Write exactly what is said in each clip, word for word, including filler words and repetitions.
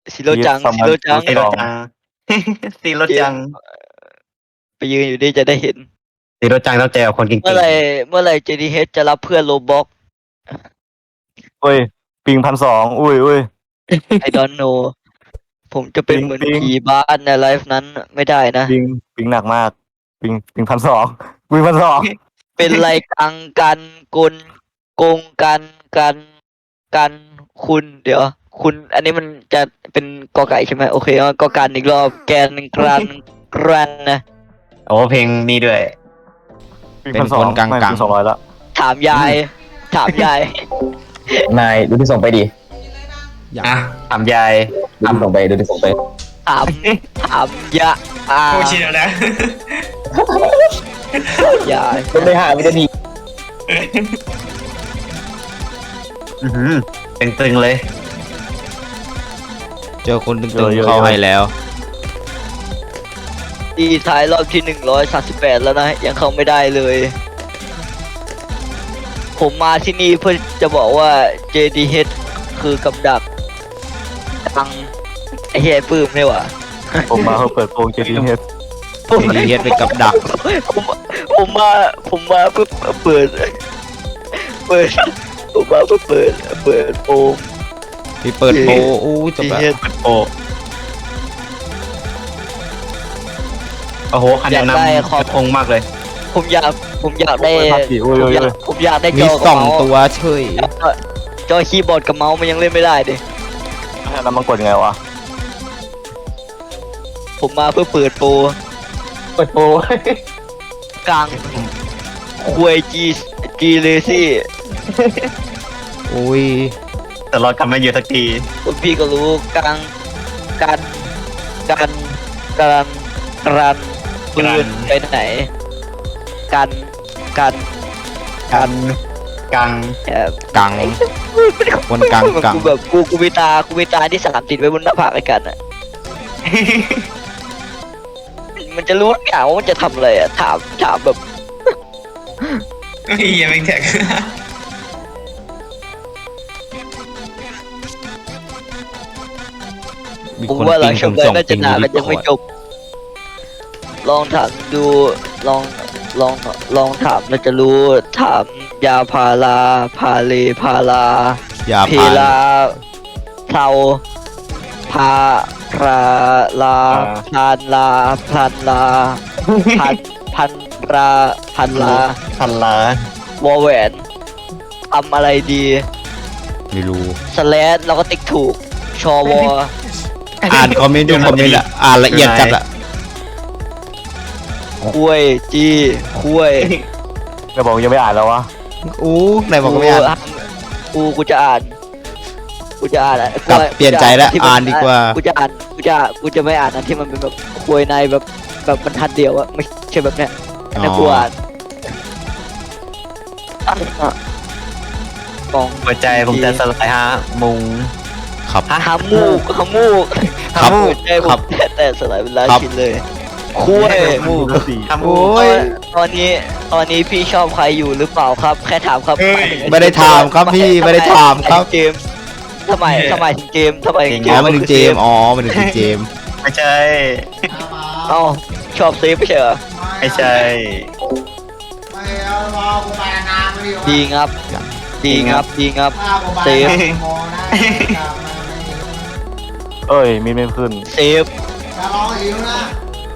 ซีโร่จังซีโร่จังซีโร่จังซีโร่จังไปยืนอยู่นี่จะได้เห็นซีโร่จังต้องเจอกับคนเก่งๆเมื่อไหร่เมื่อไหร่ เจ ดี เอช จะรับเพื่อนโลบ็อกเฮ้ยปิงพันสองอุ้ยอุ้ย I don't know ผมจะเป็นปิงเหมือนปิงผีบ้านในไลฟ์นั้นไม่ได้นะปิงปิงหนักมากปิงปิงพันสองปิงพันสองเป็นไรกังกันกลโกงกันกันกันคุณเดี๋ยว คุณ อันนี้มันจะเป็นกอไก่ใช่ไหมโอเคเอากอกันอีกรอบแกนกรันกรันนะโอ้เพลงนี้ด้วยปิงพันสองเป็นคนกลางๆไม่ปิงสองร้อยละถามยาย ถามยายนายดูที่ส่งไปดิอย่าอ่ะถามยายดูที่ส่งไปดูที่ส่งไปถามถามยาอาโอ้ชิแล้วนะยายมันไม่หาวินาทีอื้อหือตึงๆเลยเจอคนตึงๆเข้าให้แล้วดีท้ายรอบที่หนึ่งร้อยสามสิบแปดแล้วนะ ยังเข้าไม่ได้เลย ผมมาที่นี่เพื่อจะบอกว่า เจ ดี เอช คือกับดักตังไอ้เหี้ยปื้มนี่หว่าผมมาเพื่อเปิดโปงเจดีเฮดเจดีเฮดเป็นกับดักผมผมมาผมมาเพื่อเปิด เปิด ผมมาเพื่อเปิด เปิดโปงที่เปิดโปอู้จบดีแล้วเอชโอ้โอ้โหคะแนนนำกระพงมากเลยผมอยากผมอยากได้อุ้ยผมอุ้ยอยากอุ้ยผมอยากได้จมีอสกับองเมาส์ตัวเฉยจอคีย์บอร์ดกับเมาส์มันยังเล่นไม่ได้ดิแล้วมันกดยังไงวะผมมาเพื่อเปิดโปรเปิดโปรกลางควยจีจีเลซี่อุ้ยแต่เรากลับมาอยู่สักทีคุณพี่ก็รู้กลางกันกันกันกันปืนไปไหน กันกันกันกังแอบกัง คนกลางกังกูแบบกูกูมีตากูมีตาที่สามติดไว้บนหน้าผากไอ้กันอ่ะ มันจะรู้ทุกอย่างว่ามันจะทำอะไรอ่ะถามถามแบบเฮ้ยยังไม่แท็กมีผมคนว่าหลัปิงงจผบมเลยส่งน่าปิจะงนานยูแล้วนิยังคอไม่ร์ดจบ ลองถามดูลองลองลองถามแล้วจะรู้ถามยาพาราพาเลพาราอย่าเพพานลาเทาพาราลาพันลาพันลาพันพันราพันลาพันล้านวอแหวนทำอะไรดีไม่รู้สแลดเราก็ติ๊กถูก ชอวออ่านคอมเมนต์ดูคอมเมนต์ละอ่านละเอียดจัดอะคุยจีคุยจะบอกยังไม่อ่านแล้ววะอู้ไหนบอกก็ไม่อ่านกูกูจะอ่านกูจะอ่านอะกลับเปลี่ยนใจแล้วที่มัอ่านดีกว่ากูจะอ่านกูจะกูจะไม่อ่านอันที่มันเป็นแบบคุยในแบบแบบบรรทัดเดียวอะไม่ใช่แบบเนี้ยอันนั้นกูอ่านอ่ะกล่องหัวใจผมจะสลายฮะมุงครับหามูกหามูกครับหัวใจผครัมบแต่แต่สลายเป็นล้านครับชิ้นเลยคุยมูกสี่ทำโอ้มุงยตอนนี้ตอนนี้พี่ชอบใครอยู่หรือเปล่าครับ แค่ถามครับเฮ้ยหายถึงไม่ได้ถามครับพี่ไม่ได้ถามครับเกมทำไมทำไมถึงเกมทำไมถึงเกอ๋อมมาถึงเจมส์อ๋อมาถึงเจมส์ไม่ใช่เอ้าชอบเซฟไม่ใช่เหรอไม่ใช่ไม่เอารอกูไปนานไม่ดีวะดีงับ ดีงับ ดีงับถ้ากูไปเซฟโมนะกลับมาไม่ดีเอ้ยมีไม่ขึ้นเซฟจะรอหิวนะ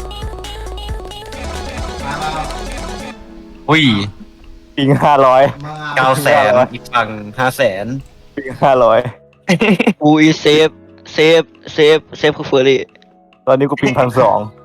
มามาอุ้ยปิงห้าร้อยมึงอ่ะเก้าแสนอีกฝั่งห้าแสนปิงห้าร้อยกูอีเซฟ เซฟ เซฟ เซฟคือเฟอร์รี่ตอนนี้กูปิงพันสอง